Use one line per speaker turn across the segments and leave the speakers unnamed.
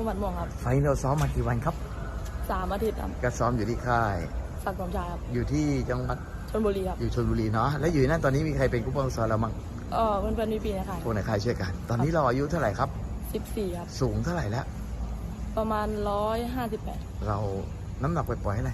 หมัดม่วงครับ
ไฟล์เราซ้อมมากี่วันครับ
3 อาทิตย์ครับ
ก็ซ้อมอยู่ที่ค่าย
สักดิ์สมชายครับ
อยู่ที่จังหวัด
ชลบุรีครับ
อยู่ชลบุรีเนาะแล้วอยู่นั่นตอนนี้มีใครเป็นผู้ปกครองสอนเราบ้าง
เพื่อนๆพี่ๆนะคะ
พวกในค่ายช่วยกัน ตอนนี้เราอายุเท่าไหร่ครับ
14ครับ
สูงเท่าไหร่แล้ว
ประมาณ158
เราน้ำหนักไปปล่อยๆให้ไหน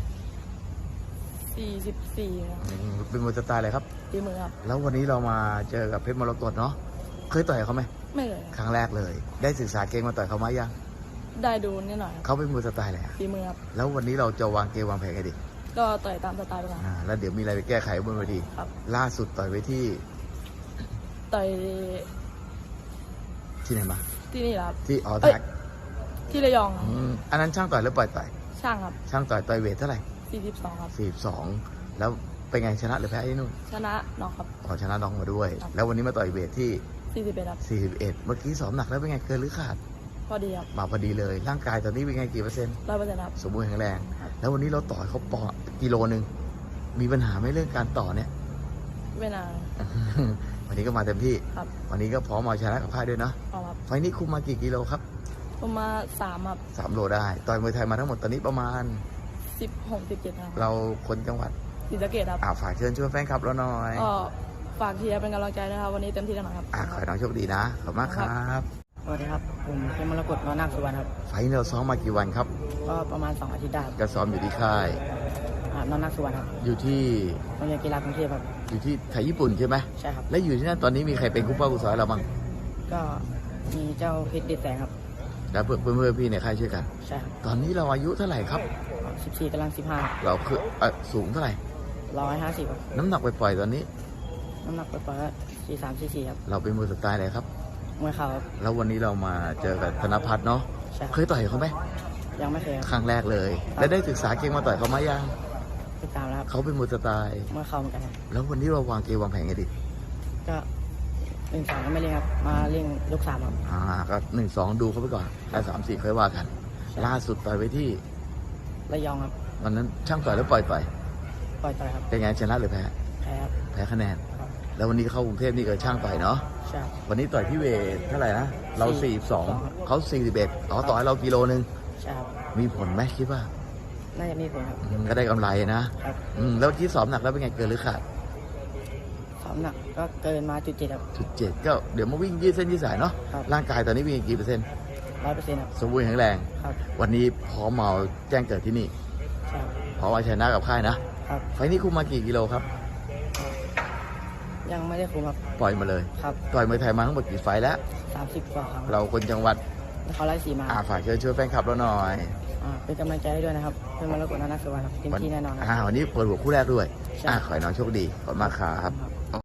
44ครับ
เป็นมวยสไตล์อะไรครับ
ตีมือครับ
แล้ววันนี้เรามาเจอกับเพชรมรกตเนาะเคยต่อยเขาไหม
ไม่เลย
ครั้งแรกเลย ได้ศึกษาเกมมาต่อยเขาไหมยัง
ได้ดูนิดหน่อย
เขาเป็นมวยสไตล์อะไร
ตีมือครับ
แล้ววันนี้เราจะวางเกมวางแผนกันดิ
ก็ต่อยตามสไตล์ไปก่อน
แล้วเดี๋ยวมีอะไรไปแก้ไขบนเวที
ครับ
ล่าสุดต่อยไว้ที่
ต่อย
ที่ไหนมา
ที่นี่ครับ
ที่แท็ก
ที่ระยอง
อันนั้นช่างต่อยหรือปล่อยต่อย
ช่างครับ
ช่างต่อยเวทเท่าไหร่
42ครับ
42แล้วเป็นไงชนะหรือแพ้ที่นู่น
ชนะน้องครับ
ชนะน้องมาด้วยแล้ววันนี้มาต่อยเวทที่
41ครับ
41เมื่อกี้ซ้อมหนักแล้วเป็นไงเกินหรือขาด
พอดีครับ
มาพอดีเลยร่างกายตอนนี้เป็นไงกี่เปอร์เซ็นต์
100%ครับ
สมบูรณ์แข็งแรงแล้ววันนี้เราต่อยเขาปอกิโลนึงมีปัญหาไหมเรื่องการต่อเนี่ย
ไม่นาน
วันนี้ก็มาเต็มที่
ครับ
วันนี้ก็พร้อมเอาชนะกับค่ายด้วยเนาะ
ครับ
ไฟนี้คุมมากี่กิโลครับ
ประมาณ3ครับ
3 โลได้ต่อยมวยไทยมาทั้งหมดตอนนี้ประมาณ
16-17ครับ
เราคนจังหวัด
ศรีสะเกษครับ
ฝากเชิญชวนแฟนคลับเราหน่อย
ฝากเชียร์เป็นกำลังใจนะครับวันนี้เต็มที่แน่นอนครับ
ขอให้น้องโชคดีนะขอบคุณมากครับ
สวัสดีครับผมเพชรมรกต น.นาคสุวรรณครับ
ไฟนี้เราซ้อมมากี่วันครับ
ก็ประมาณ2 อาทิตย์ได้
ก็ซ้อมอยู่ที่ค่าย
น.นาคสุวรรณครับ
อยู่ที่
โรงเรียนกีฬากรุงเทพครับ
อยู่ที่ไทยญี่ปุ่นใช่ไหม
ใช่ครับ
และอยู่ที่นั่นตอนนี้มีใครเป็นคู่ป้าคู่สอยเราบ้าง
ก็มีเจ้าเพชรเด็ดแสงครับ
แล้วเพื่อนๆพี่ในค่ายช่วยกัน
ใช่ครับ
ตอนนี้เราอายุเท่าไหร่ครับ
14กำลัง15
เราคือสูงเท่าไหร่
150ครับ
น้ำหนักไปปล่อยตอนนี้
น้ำหนักไปปล่อย43-44ครับ
เราเป็นมวยสไตล์อะไรครับ
มวยเข่าครับ
แล้ววันนี้เรามาเจอกับธนพัฒน์เนาะเคยต่อยเขาไหม
ยังไม่เคย
ครั้งแรกเลยแล้วได้ศึกษาเกมมาต่อยเขาไหมยัง
ติดตามแล้ว
เขาเป็นมวยสไตล์
มวยเข่าเหมือนกัน
แล้ววันนี้เราวางเกมวางแผนกันดิ
ก็1-2ก็ไม่เล่นครับมาเล่นยก3ครับ
ก็1-2ดูเขาไปก่อนแล้ว3-4ค่อยว่ากันล่าสุดต่อยไว้ที่
ระยองครับ
วันนั้นช่างต่อยแล้วปล่อย
ต่อยครับ
เป็นไงชนะหรือแพ้แพ้คะแนนแล้ววันนี้เข้ากรุงเทพนี่ก็ช่างต่อยเนาะ
ใช่
วันนี้ต่อยที่เวทเท่าไหร่นะเรา42เขา41ต่อให้เรากิโลนึง
ใช่ครับ
มีผลไหมคิดว่า
น่าจะมีผลครับ
ก็ได้กำไรนะครับแล้วที่ซ้อมหนักแล้วเป็นไงเกินหรือขาด
ซ้อมหนักก็เกินมา7ครับ
7ก็เดี๋ยวมาวิ่งยืดเส้นยืดสายเนาะร่างกายตอนนี้วิ่งกี่เปอร์เซ็นต์
100%ครับ
สมบูรณ์แข็งแรงวันนี้พร้อมมาแจ้งเกิดที่นี่พร้อมมาชนะกับค่ายนะไฟนี้คุมมากี่กิโลครับ
ยังไม่ได้คุมครับ
ปล่อยมาเลยต่อยมวยไทยมาทั้งหมดกี่ไฟแล้ว
30 กว่าครั้ง
เราคนจังหวัด
นครราชสีมา
ฝากเชิญชวนแฟนคลับเราหน่อย
เป็นกำลังใจให้ด้วยนะครับเพื่อนมรกต น.นาคสุวรรณครับเต็มที่แน่นอน
วันนี้เปิดหัวคู่แรกด้วยขอให้น้องโชคดีขอบคุณมากครับ